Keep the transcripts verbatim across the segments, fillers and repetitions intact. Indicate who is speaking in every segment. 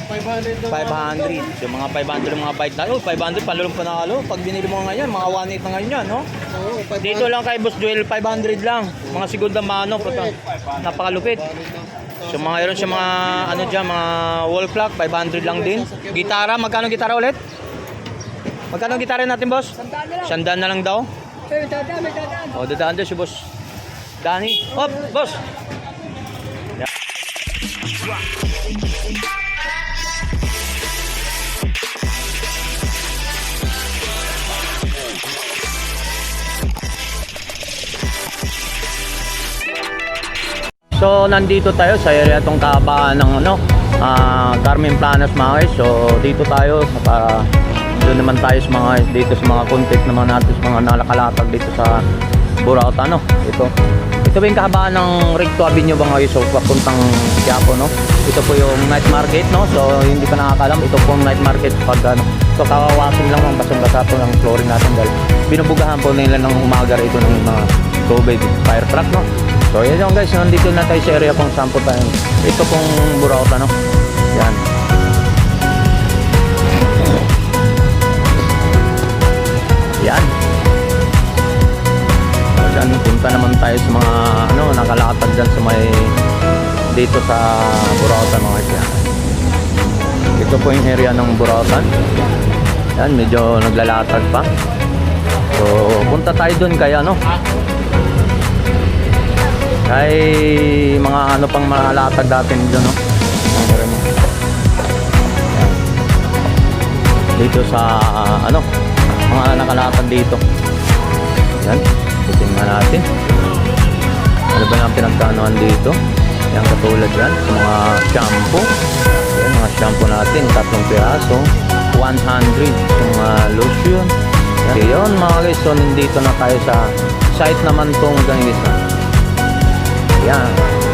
Speaker 1: five hundred. Yung mga five hundred yung mga bike na. Oh, five hundred palulong panalo. Pag binili mo ngayon, mga one eight na ngayon yan, no? Dito lang kay Boss Joel, five hundred lang. Mga segunda mano, puta. Napakalupit. So mga yun siya mga ano diyan, mga wall clock, five hundred lang din. Gitara, magkano gitara ulit? Magkano gitara natin, boss? Sandaan na lang daw. Oh, dadaan daw si Boss Danny. Hop, boss. Yeah. So nandito tayo sa area tong kabaan ng ano, uh, Carmen Planas mga guys. So dito tayo sa para doon naman tayo sa mga dito sa mga content naman natin sa mga nalakalatag dito sa Burauta, no. Ito. Ito yung kahabaan ng Recto Avenue mga guys. So papuntang Quiapo, no. Ito po yung night market, no. So hindi pa nakakalam, ito po yung night market pag ano. So kawawasin lang ng basang-basa po ng flooring natin dahil binubugahan po nila ng umaga rito ng mga tubig, fire truck, no. So yan yung guys, nandito na tayo sa area pong sampo tayo. Ito pong Burauta, no. Yan. Yan. So dyan, punta naman tayo sa mga ano, nakalatag dyan sa may dito sa Burauta mga guys. Ito po yung area ng Burauta. Yan, medyo naglalatag pa. So punta tayo dun kaya ano, ay mga ano pang malatag natin dyan, no? Dito sa uh, ano mga nakalatag dito. Yan, titingnan natin ano ba yung pinagkanoan dito. Yan, katulad yan sa mga shampoo. Yan, mga shampoo natin, tatlong piraso, one hundred. Yung uh, lotion. Yan, yun mga guys. So nandito na tayo sa site naman tong ganito. Yan.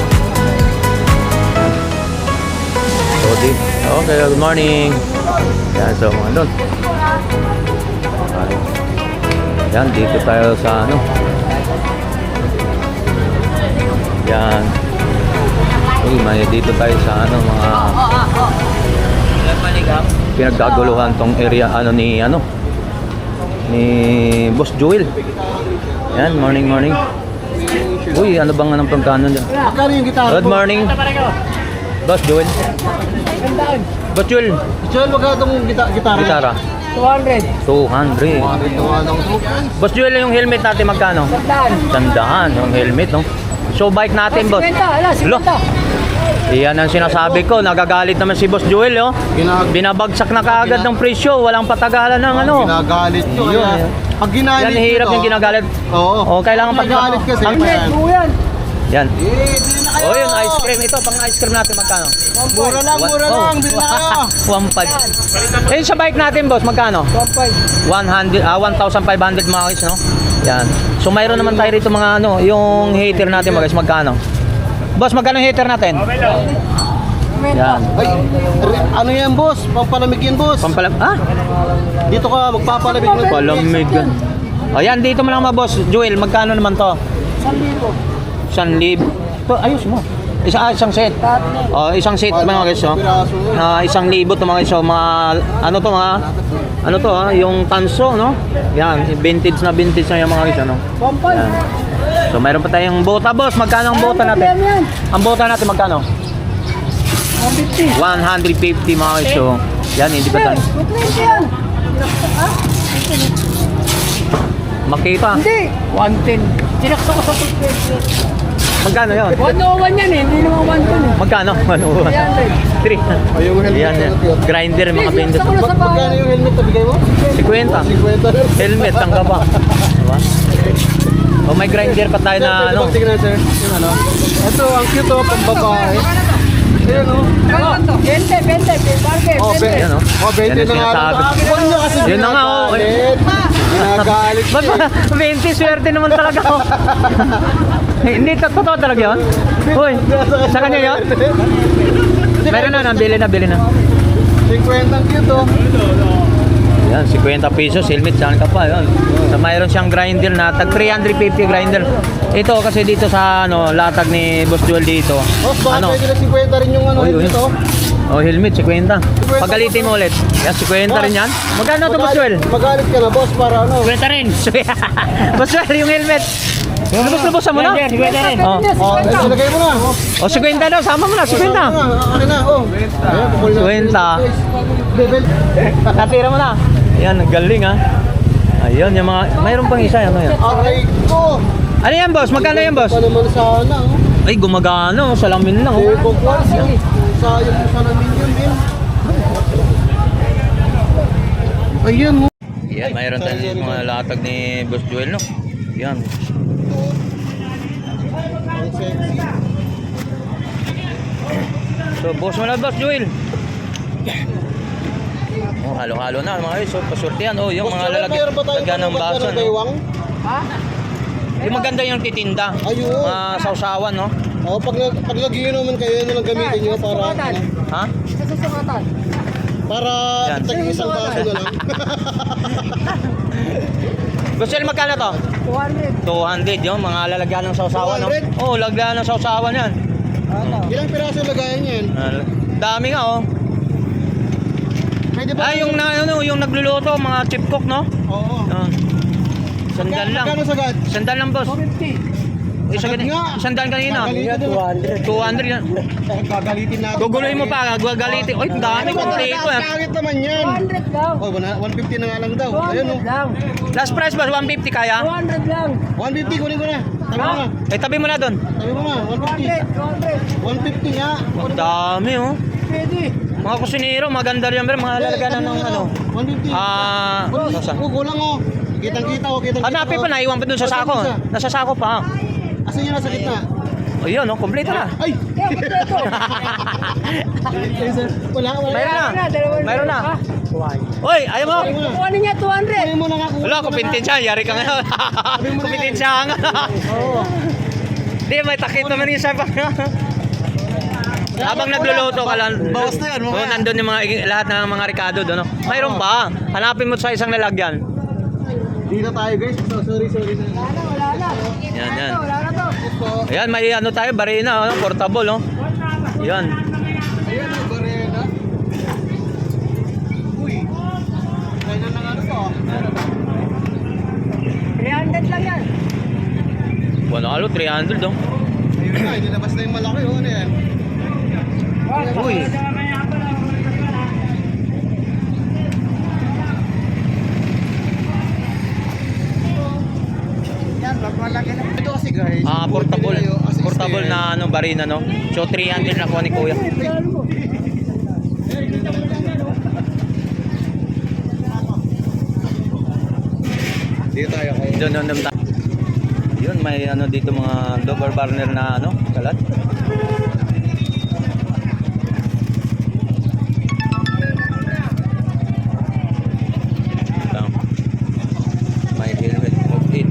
Speaker 1: So, di, okay, good morning. Yan, so mga doon. Yan, dito tayo sa ano. Yan. Uy, may dito tayo sa ano, mga pinaggaguluhan tong area ano ni ano ni Boss Joel. Yan, morning, morning. Uy, ano bang anong pagkano dyan?
Speaker 2: Magkano yung gitara?
Speaker 1: Good morning. Boss Joel. Boss Joel.
Speaker 2: Joel, magkano itong gita gitara?
Speaker 1: Gitara.
Speaker 3: two hundred.
Speaker 1: two hundred. Boss Joel, yung helmet natin magkano?
Speaker 3: Sandaan.
Speaker 1: Sandaan, yung helmet, no? So, bike natin, boss.
Speaker 3: fifty, ala,
Speaker 1: Lo. Iyan ang sinasabi ko. Nagagalit naman si Boss Joel, oh.
Speaker 2: Ginag-
Speaker 1: Binabagsak na kaagad ng presyo. Walang patagalan ng ano.
Speaker 2: Ginagalit nyo.
Speaker 1: Yun,
Speaker 2: Kaya,
Speaker 1: eh.
Speaker 2: pag ginalit
Speaker 1: Yan, hirap yung ginagalit.
Speaker 2: Oo.
Speaker 1: Oh, kailangan pag
Speaker 2: Ginagalit kasi.
Speaker 1: Ang-
Speaker 2: Yan.
Speaker 3: Yan.
Speaker 1: Yan.
Speaker 2: Eh, bili na kayo.
Speaker 1: Oh, yun, ice cream. Ito, pang ice cream natin magkano?
Speaker 2: Mura lang, mura
Speaker 1: One-
Speaker 2: lang. Bili na kayo.
Speaker 1: one five. Eh, sa bike natin, boss, magkano?
Speaker 3: one five.
Speaker 1: one hundred, ah, one thousand five hundred mga guys, no? Yan. So, mayroon naman tayo rito mga ano, yung heater natin mga guys, magkano? Boss, magkano yung heater natin? Yan.
Speaker 2: Ay, re- ano yan, boss? Pampalamig yan, boss.
Speaker 1: Pampalam, ah?
Speaker 2: Dito ka, magpapalamig mo.
Speaker 1: Palamig. O yan, dito mo lang mga boss. Joel, magkano naman to?
Speaker 3: San libo.
Speaker 1: Isang lib. To, ayos mo. Isa, ah, isang set. Oh, isang set mga guys, oh. Na isang libo to mga guys, oh. Mga, ano to mga, ano to ah, yung tanso, no? Yan, vintage na vintage na yung mga guys, ano?
Speaker 3: one five.
Speaker 1: Yan. So, mayroon pa tayong bota, boss. Magkano ang bota natin? Ang bota natin, magkano?
Speaker 3: one fifty.
Speaker 1: one fifty mga guys, so. Yan, hindi pa tayo.
Speaker 3: two twenty yan. Ha?
Speaker 1: Makita.
Speaker 3: Hindi. one ten. Sinaksa ko sa two twenty.
Speaker 1: Magkano yun?
Speaker 3: one oh one yan eh. Hindi naman one ten eh.
Speaker 1: Magkano? Ano? three.
Speaker 2: Ayun, helmet.
Speaker 1: Yan, yan. Grinder, mga
Speaker 3: Sinaksa
Speaker 1: vendors.
Speaker 3: ko na sa bahay.
Speaker 2: Magkano yung helmet na bigay mo?
Speaker 1: fifty.
Speaker 2: fifty.
Speaker 1: Helmet, ang gaba. Diba? O may grinder pa tayo na ano.
Speaker 2: Tingnan, sir. Yung ano. Ito, ang cute oh, pang babae. Ayan oh.
Speaker 3: Ano? Bente, bente. Bargain,
Speaker 2: Oh,
Speaker 3: bente.
Speaker 1: Yan, oh.
Speaker 2: Oh,
Speaker 1: Yan
Speaker 2: bente
Speaker 1: ang
Speaker 2: na nga.
Speaker 1: sinasabi.
Speaker 2: Huwag nyo kasi
Speaker 1: Yun na nga, oh.
Speaker 2: ginagalit. Ginagalit
Speaker 1: Ba't
Speaker 2: siya.
Speaker 1: ba? twenty, swerte naman talaga ako. Hindi, totoo talaga yun? Uy, sa kanya yun? Meron na, nabili na, bili na.
Speaker 2: fifty ang cute oh.
Speaker 1: Yan, fifty pesos, helmet, saan ka pa, yun. So, mayroon siyang grinder na, tag three fifty grinder. Ito, kasi dito sa, ano, latag ni Boss Joel dito.
Speaker 2: Boss, baka
Speaker 1: Ano?
Speaker 2: pwede na fifty rin yung ano
Speaker 1: Uy, uy.
Speaker 2: dito.
Speaker 1: Oh, helmet, fifty. Pagalitin mo ulit. Yan, fifty rin yan. Magkano to, Boss Joel?
Speaker 2: Magalit ka na, boss, para ano?
Speaker 3: Kwenta rin.
Speaker 1: Boss Joel, yung helmet. Lubos-lubosan mo na.
Speaker 3: Kwenta rin.
Speaker 1: Oh,
Speaker 2: Oh, eh, ilagay mo na.
Speaker 1: oh fifty daw, sama mo na, fifty.
Speaker 2: Akin na, oh. Ayan, pukul na.
Speaker 1: fifty.
Speaker 2: Level.
Speaker 1: Natira mo na. Yan, ang galing ha. Ayun, yung mga, mayroon pang isa, ano yan?
Speaker 2: Aray ko.
Speaker 1: Ano yan, boss? Magkano yan, boss?
Speaker 2: Pa naman sana, oh.
Speaker 1: Ay, gumagana, oh. Salamin lang, oh.
Speaker 2: Eh, kung kwan, sayang mo sana minyon, din. Ayun, oh.
Speaker 1: Yan, mayroon tayo yung mga latag ni Boss Joel, no? Yan.
Speaker 2: Ang sexy.
Speaker 1: So, boss mo na, Boss Joel. Oh, halo-halo na, mga guys. So, pasurtihan. Oh, yung mga lalagyan
Speaker 2: Mayroon ba tayong
Speaker 1: lagyan ng
Speaker 2: maganda
Speaker 1: baso,
Speaker 2: ng
Speaker 1: no?
Speaker 2: baywang?
Speaker 3: Ha?
Speaker 1: Yung maganda yung titinda.
Speaker 2: Ayun.
Speaker 1: Mga sausawan, no?
Speaker 2: Oh, pag, pag nagiinuman kayo, yun lang gamitin nyo para, ano,
Speaker 1: Ha?
Speaker 3: Sa susukatan.
Speaker 2: para
Speaker 1: Yan.
Speaker 2: tag isang baso na lang.
Speaker 1: Boss Joel, magkano to?
Speaker 3: two hundred.
Speaker 1: two hundred, yung mga lalagyan ng sausawan, no?
Speaker 2: two hundred?
Speaker 1: Oh, lagyan ng sausawan yan.
Speaker 3: Ano?
Speaker 2: Ilang piraso lagayan yan?
Speaker 1: Ah, dami nga, oh.
Speaker 2: Pwede ba?
Speaker 1: Ah, yung, na, ano, yung nagluluto, mga chip cook, no?
Speaker 2: Oo.
Speaker 1: Ah. Sandal lang.
Speaker 2: Magkano sagad?
Speaker 1: Sandal lang, boss.
Speaker 3: two fifty.
Speaker 1: Isa
Speaker 2: Sagad
Speaker 1: ganito.
Speaker 2: nga.
Speaker 1: Sandal kanina.
Speaker 2: Gagalitin na lang.
Speaker 1: two hundred yan.
Speaker 2: Gagalitin natin.
Speaker 1: Guguluhin mo pa, gagalitin. Oy, ang dami
Speaker 2: Ano
Speaker 1: kong
Speaker 2: ba?
Speaker 1: tito, eh.
Speaker 2: Pangit naman yan.
Speaker 3: two hundred lang.
Speaker 2: Oh, one fifty na nga lang daw.
Speaker 3: two
Speaker 2: Ayun,
Speaker 3: hundred
Speaker 2: oh.
Speaker 3: lang.
Speaker 1: Last price ba? one fifty kaya?
Speaker 3: two hundred lang.
Speaker 2: one fifty, kunin ko na. Tabi mo na.
Speaker 1: Eh, tabi mo na doon.
Speaker 2: Tabi mo na. one
Speaker 3: two
Speaker 2: fifty.
Speaker 3: hundred. two hundred.
Speaker 2: one fifty nga.
Speaker 1: Ang dami, oh.
Speaker 3: Pwede.
Speaker 1: Mga kusinero, maganda rin, pero mga lalagyan na ng ano.
Speaker 2: one fifty.
Speaker 1: Ah,
Speaker 2: Oh,
Speaker 1: nasa.
Speaker 2: kulang oh. Kitang-kita oh, kitang-kita.
Speaker 1: Hanapin pa, naiwan pa doon sa sako. Nasa sako pa.
Speaker 2: Asan yun nasa gitna?
Speaker 1: O yun, oh, kompleto na.
Speaker 2: Ay!
Speaker 3: Kaya kompleto.
Speaker 2: Wala, wala.
Speaker 1: Mayroon na.
Speaker 3: dalawa
Speaker 1: Mayroon na.
Speaker 3: Ah,
Speaker 1: Oy, ayaw mo.
Speaker 3: kuha niya two hundred.
Speaker 2: Kunin mo na nga. kunin
Speaker 1: Wala,
Speaker 2: mo na nga.
Speaker 1: kumpintensya. Yari ka ngayon. Kumpintensya ka nga.
Speaker 2: Oo.
Speaker 1: Hindi, may takip naman yung sabi. Habang nagluluto ka lang.
Speaker 2: Bawas na yan,
Speaker 1: Oh,
Speaker 2: mamaya.
Speaker 1: nandun yung mga, lahat ng mga Ricardo doon. No? Mayroon pa. Hanapin mo sa isang lalagyan.
Speaker 2: Dito tayo guys. So, sorry, sorry.
Speaker 3: Wala na, wala na.
Speaker 1: Yan, yan.
Speaker 3: Wala na to.
Speaker 2: Ito.
Speaker 1: Ayan, may ano tayo, barina, ano, portable, no? Yan.
Speaker 2: Ayan ang barena. Uy. Kaya na nga ano to.
Speaker 3: three hundred lang yan.
Speaker 1: Bueno, alo, three hundred, no?
Speaker 2: Ayun na, nilabas na yung malaki oh. Ano yan?
Speaker 1: Uy.
Speaker 2: Ito kasi guys.
Speaker 1: Ah, portable.
Speaker 2: Pinili yung assist
Speaker 1: Portable
Speaker 2: eh.
Speaker 1: na ano, barina, no? So, three hundred na kuha ni Kuya.
Speaker 2: Dito tayo kayo.
Speaker 1: Doon, doon, doon. tayo. Yun, may ano dito mga double burner na ano, kalat. Ito. May helmet of it.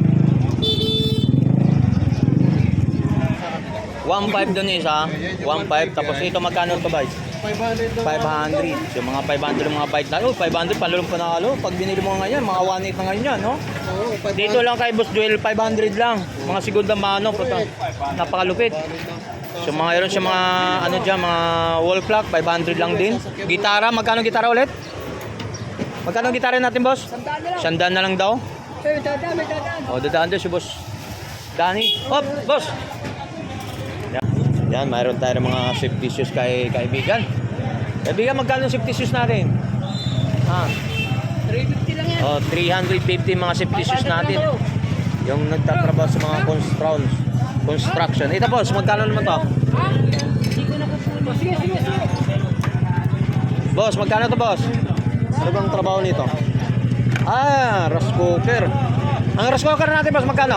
Speaker 1: one five doon isa, one five. Tapos ito magkano to guys?
Speaker 2: five hundred na.
Speaker 1: five hundred. Yung mga five hundred yung mga bike na. Oh, five hundred palulong panalo. Pag binili mo ngayon, mga one eight na ngayon yan, no?
Speaker 2: Oo, five
Speaker 1: Dito lang kay Boss Joel, five hundred lang. Mga segunda mano, puta. Napakalupit. So mga yun sa mga ano diyan, mga wall clock, five hundred lang din. Gitara, magkano gitara ulit? Magkano gitara natin, boss?
Speaker 3: Sandaan na lang.
Speaker 1: Sandaan na lang daw.
Speaker 3: May dadaan, may dadaan.
Speaker 1: O, dadaan doon si boss Danny. Hop, boss! Yan, yan mayroon tayo ng mga safety shoes kay kaibigan. Kaibigan, magkano safety shoes natin? Ha?
Speaker 3: three fifty lang yan.
Speaker 1: Oh, three hundred fifty mga safety shoes natin. Yung nagtatrabaho sa mga construction. Construction. Ito boss, magkano naman to?
Speaker 3: Ha? Hindi ko napupuno. Sige, sige, sige.
Speaker 1: Boss, magkano to boss? Ano bang trabaho nito? Ah, rice cooker. Ang rice cooker natin boss, magkano?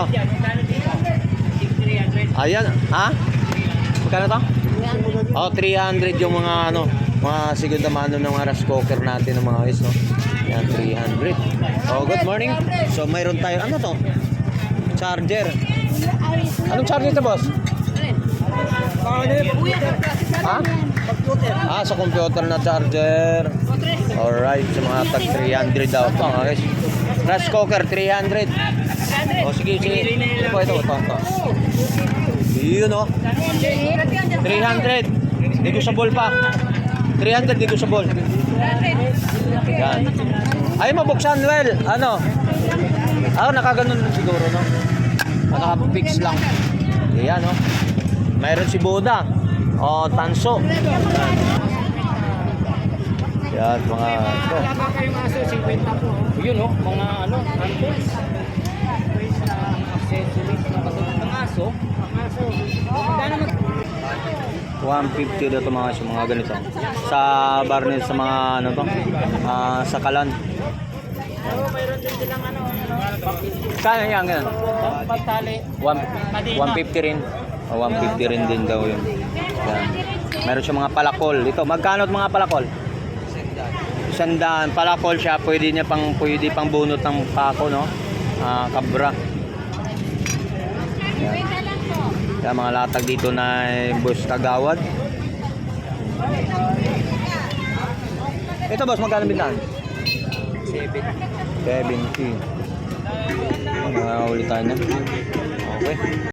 Speaker 1: Ayan, ha? Magkano to? Oh, three hundred yung mga ano, mga segunda mano ng mga rice cooker natin ng mga guys, no? Yan, three hundred. Oh, good morning. So, mayroon tayo, ano to? Charger. Anong charger to, boss? Ha? Ah, sa computer na charger. Alright, sa mga tag three hundred daw. Ito, mga guys. Rice cooker, three hundred. Oh, sige, sige. Ito po, ito, ito, ito. Yun, oh. three hundred. Negotiable pa. three hundred negotiable. Yan. Ay, mabuksan, well, ano? Ah, nakaganon lang siguro, no? Nakapix lang. Yan, no? Mayroon si Buda. O, Tanso. Yan, mga ito.
Speaker 3: Wala ba kayong aso? fifty po.
Speaker 2: Yun oh, mga ano, handles. Accessories na katulad ng aso.
Speaker 3: Aso. Magkano mag...
Speaker 1: one fifty daw ito mga, mga ganito. Sa Barnes, sa mga ano to? Ah, sa Kalan.
Speaker 3: Oo, mayroon din silang ano.
Speaker 1: Kaya yan, ganun.
Speaker 2: Pagtali.
Speaker 1: one fifty rin. O, one fifty rin din daw yun. Yan. Meron siya mga palakol. Ito, magkano at mga palakol? Sandaan. Palakol siya. Pwede niya pang, pwede pang bunot ng pako, no? Ah, kabra. Yan. Kaya mga latag dito na bus Kagawad. Ito boss, magkano bintahan? seventy. Mga ulit tayo na. Okay.